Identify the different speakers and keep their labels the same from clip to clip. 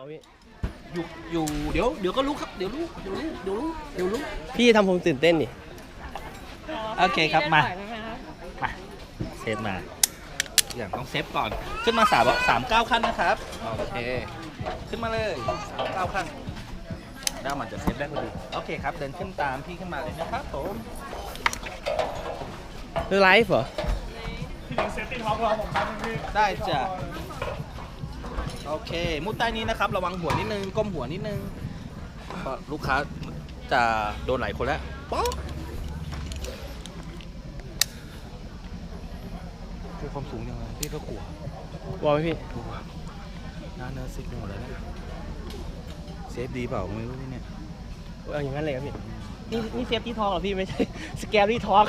Speaker 1: พี่
Speaker 2: อยู่เดี๋ยวก็รู้ครับเดี๋ยวรู้
Speaker 1: พี่ทำผมตื่นเต้นนี่
Speaker 2: โอเคครับมาเซฟมาอย่างต้องเซฟก่อนขึ้นมา39ขั้นนะครับโอเคขึ้นมาเลย39ขั้นด้ามันจะเซฟได้พอดีโอเคครับเดินขึ้นตามพี่ขึ้นมาเลยนะครับผม
Speaker 1: คือไลฟ์เหรอ
Speaker 3: พี่ถึงเซฟตี้ท็อปเราผมทำพี่
Speaker 2: ได้จ้ะโอเคมุดใต้นี้นะครับระวังหัวนิดนึงก้มหัวนิดนึงเพราะลูกค้าจะโดนหลายคนแล้วป๊อกคือความสูงยังไงพี่ก็กลัว
Speaker 1: วอลไหมพี่
Speaker 2: กลัวหน้าเนื้อซิกหมดเลยนะเซฟดีเปล่าไม่รู้พี่เนี่ย
Speaker 1: อย่างนั้นเลยครับพี่นี่เซฟตี้ทอล์กเหรอพี่ไม่ใช่สแกรี่ทอล์ก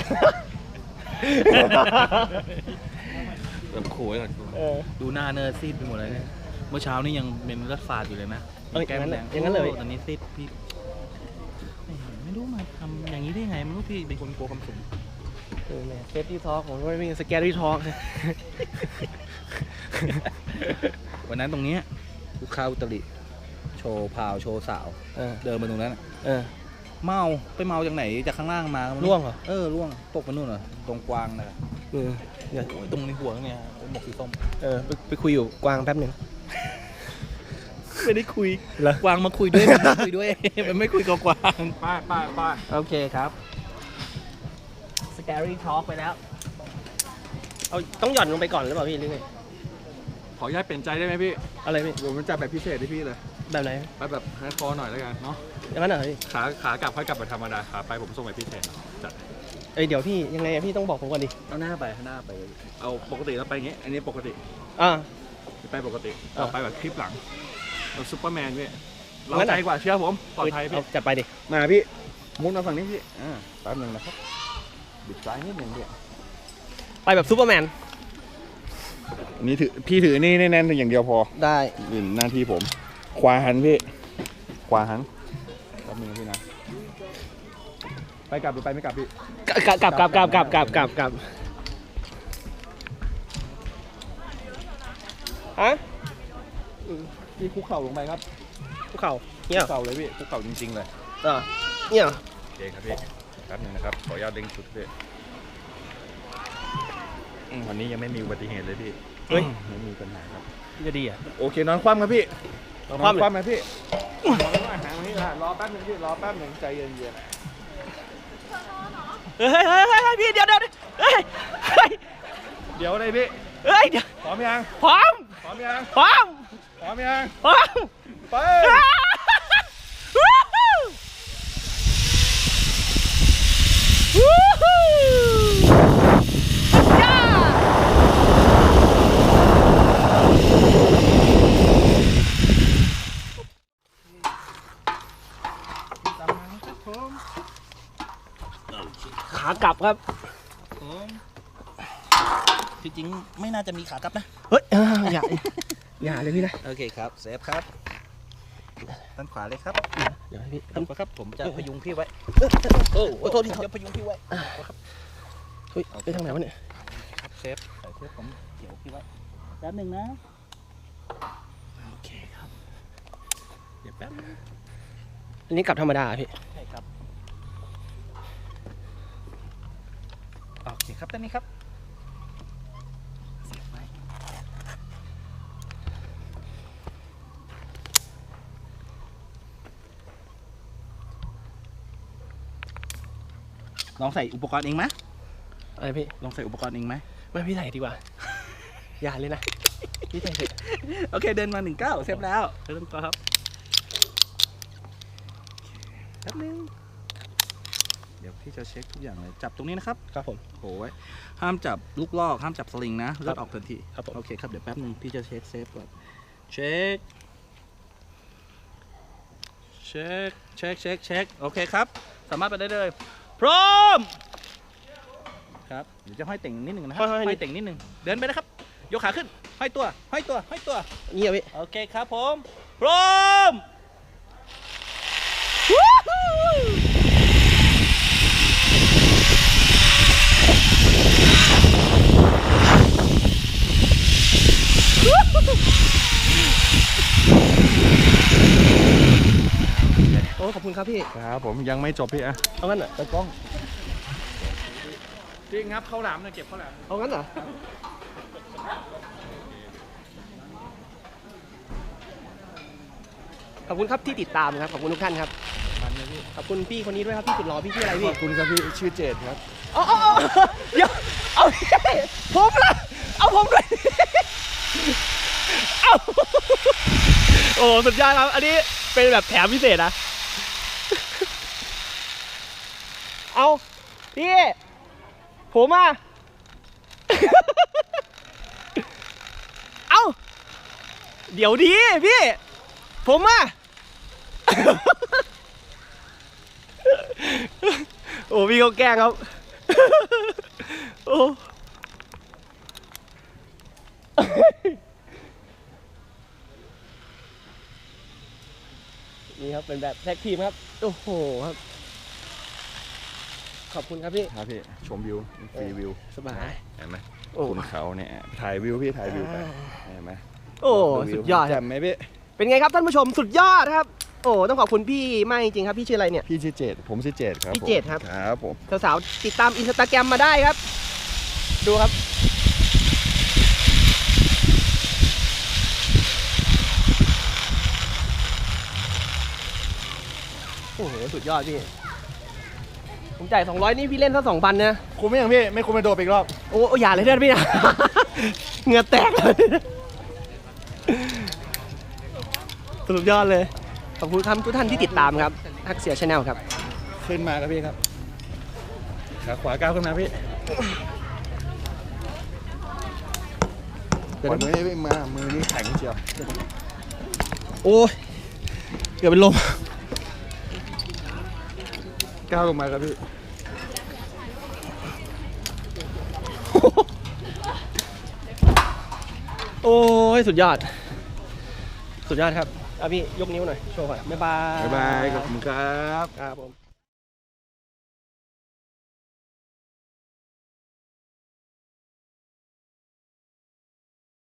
Speaker 2: แบบขู่ไว้ก่อนดูหน้าเนื้อซีดไปหมดเลยเนี่ยเมื่อเช้านี่ยังเป็นเลือดฝาดอยู่เลยนะ
Speaker 1: แก้มแดงอย่างนั้นเลย
Speaker 2: ตอนนี้ซีดพี่ไม่รู้มาทำอย่างนี้ได้ไงไม่รู้พี่เป็นคนกลัวความสูง
Speaker 1: เซฟตี้ทอล์กผมไม่เป็นสแกรี่ทอล์ก
Speaker 2: วันนั้นตรงนี้ลูกค้าอุตริโชว์พาวโชว์สาวเดินมาตรงนั้นเมาไปเมาจากไหนจากข้างล่างมา
Speaker 1: ล่วงเหรอ
Speaker 2: ล่วงตกไปนู่นเหรอตรงกวางนะตรงในหัวเนี่ยหมวกสีส้ม
Speaker 1: ไปคุยอยู่กวางแป๊บหนึ่ง
Speaker 2: ไม่ได้คุยกวางมาคุยด้วยมันไม่คุยกับกวาง
Speaker 3: ป้า
Speaker 2: โอเคครับ Scary Talk ไปแล้ว
Speaker 1: เอาต้องหย่อนลงไปก่อนหรือเปล่าพี่หรือไง
Speaker 3: ขออนุญาตเปลี่ยนใจได้ไหมพี่
Speaker 1: อะไรพี่
Speaker 3: ผมมันจะแบบพิเศษที่พี่เลย
Speaker 1: แบบไหน
Speaker 3: แบบให้คอหน่อยแล้วกันเนาะ
Speaker 1: อย่างนั้นเหรอพี่
Speaker 3: ขากลับค่อยกลับแบบธรรมดาขาไปผมส่งแบบพิเศษจัด
Speaker 1: เดี๋ยวพี่ยังไงพี่ต้องบอกผมก่อนดิ
Speaker 3: เอาหน้าไปเอาปกติเราไปอย่างเงี้ยอันนี้ปกติไปปกติเอาไปแบบคลิปหลังเราซุปเปอร์แมนพี่เราใจกว่าเชื่อผมปลอดภัยพี่
Speaker 1: จัดไปดิ
Speaker 3: มาพี่มุดมาฝั่งนี้พี่แป๊บนึงนะครับบิดซ้ายนิดนึงพี่
Speaker 1: ไปแบบซูเปอร์แมน
Speaker 3: นี่พี่ถือนี่แน่นๆอย่างเดียวพอ
Speaker 1: ได้
Speaker 3: หน้าที่ผมขวาหันพี่ขวาหันแป๊บนึงพี่นะไปกลับหรือไปไม่กลับพี่
Speaker 1: กลับฮะ
Speaker 3: พี่คุกเข่าลงไปครับ
Speaker 1: คุกเข่าเนี่ย
Speaker 3: คุกเข่าเลยพี่คุกเข่าจริงๆเลย
Speaker 1: เนี่ย
Speaker 3: โอเคครับพี่แป๊บนึงนะครับขออนุญาตเร่งสุดพี่วันนี้ยังไม่มีอุบัติเหตุเลยพี่ไม่มีปัญหาครับ
Speaker 1: จะดีอ่ะ
Speaker 3: โอเคนอนคว่ำครับพี่นอนคว่ำไหมพี่นอนอาหารนี้รอแป๊บนึงพี่รอแป๊บนึงใจเย็นๆ
Speaker 1: เฮ้ยพี่เดี๋ยวเลย
Speaker 3: พี่
Speaker 1: เดี๋ยว
Speaker 3: พร้อมยัง
Speaker 1: พร้อม
Speaker 3: ไป
Speaker 1: ขากลับครับ
Speaker 2: จริงๆไม่น่าจะมีขากลับนะ
Speaker 1: เฮ้ยอย่าเลยพี่นะ
Speaker 2: โอเคครับเซฟครับด้านขวาเลยครับ
Speaker 1: เดี๋ยวพี่
Speaker 2: ด้านขวาครับผมจะพยุงพี่ไว้
Speaker 1: โทษที
Speaker 2: จะพยุงพี่ไว้
Speaker 1: ครับเฮ้ยไปทางไหนวะเนี่ย
Speaker 2: ครับเซฟผมเกี่ยวพี่ไว้แป๊บหนึ่งนะ
Speaker 1: โอเคครับ
Speaker 2: เดี๋ยวแป๊บ
Speaker 1: อันนี้กลับธรรมดาพี่
Speaker 2: ใช่ครับโอเคครับด้านนี้ครับลองใส่อุปกรณ์เองไหม
Speaker 1: อะไรพี่
Speaker 2: ลองใส่อุปกรณ์เองไหม
Speaker 1: ไม่พี่ใส่ดีกว่าอย่าเลยนะพี่ใส่
Speaker 2: โอเคเดินมา19เซฟแล้วเริ่มต่อครับแป๊บนึงเดี๋ยวพี่จะเช็คทุกอย่างเลยจับตรงนี้นะครับ
Speaker 1: ครับผม
Speaker 2: โหไว้ห้ามจับลูกลอกห้ามจับสลิงนะเลือดออกทันทีครับโอเคครับเดี๋ยวแป๊บนึงพี่จะเช็คเซฟก่อนเช็คโอเคครับสามารถไปได้เลยพร้อมครับเดี๋ยวจะห้อยเต่งนิดหนึ่งนะครับห้อยเต่งนิดหนึ่งเดินไปนะครับยกขาขึ้นห้อยตัว
Speaker 1: เงียบพี่
Speaker 2: โอเคครับผมพร้อม
Speaker 1: ครับพี่
Speaker 3: ครับผมยังไม่จบพี่อะ
Speaker 1: เอางั้นเหรอตากล้อง
Speaker 3: จริงครับข้าวหลามเนี่ยเก็บข้าวหลาม
Speaker 1: เอางั้นเหรอขอบคุณครับที่ติดตามครับขอบคุณทุกท่านครับ
Speaker 3: มันเลยพี่
Speaker 1: ขอบคุณพี่คนนี้ด้วยครับพี่สุดหล่อพี่ชื่ออะไร
Speaker 3: ข
Speaker 1: พี่
Speaker 3: อบคุณครับพี่ชื่อเจดครับ
Speaker 1: เอาเดี๋ยวเอาผมล่ะเอาผมด้วยเอาโอ้สุดยอดครับอันนี้เป็นแบบแถมพิเศษนะเอาพี่ผมอ่ะเอาเดี๋ยวดีพี่ผมอ่ะโอ้พี่เขาแกล้งครับโอ้นี่ครับเป็นแบบแท็กทีมครับโอ้โหครับขอบคุณครับพี่
Speaker 3: ครับพี่ชมวิวฟรีวิว
Speaker 1: สบาย
Speaker 3: เห็นไหม
Speaker 1: โอ้
Speaker 3: คุณเขาเนี่ยถ่ายวิวพี่ถ่ายวิวไปเห็นไหม
Speaker 1: โอ้สุดยอดค
Speaker 3: แจ่
Speaker 1: รับ
Speaker 3: มไหมพี่
Speaker 1: เป็นไงครับท่านผู้ชมสุดยอดครับโอ้ต้องขอบคุณพี่มากจริงๆครับพี่ชื่ออะไรเนี่ย
Speaker 3: พี่ชื่อเจดผมชื่อเจดครับ
Speaker 1: พี่เจดครับ
Speaker 3: ครับผม
Speaker 1: สาวๆติดตามอินสตาแกรมมาได้ครับ ดูครับโอ้โหสุดยอดพี่ผมจ่าย200นี่พี่เล่นซะ2,000นะ
Speaker 3: คุ้มไหมยังพี่ไม่คุ้มไปโดดอีกรอบ
Speaker 1: โอ้อย่าเลยเด้อพี่นะ เหงื่อแตกเลยสุดยอดเลยขอบคุณครับทุกท่านที่ติดตามครับทักเสียชาแนลครับ
Speaker 3: ขึ้นมาครับพี่ครับขาขวาก้าวขึ้นมาพี่ปล่อยมือให้พี่มามือนี้แข็งเชียว
Speaker 1: โอ้ยเกือบเป็นลม
Speaker 3: ก้าวลงมาครับพี่
Speaker 1: โอ้ยสุดยอด สุดยอดครับเอาพี่ยกนิ้วหน่อยโชว์ก่อนบ๊ายบาย
Speaker 3: บ๊ายบายขอบคุณครับ
Speaker 1: ครับผม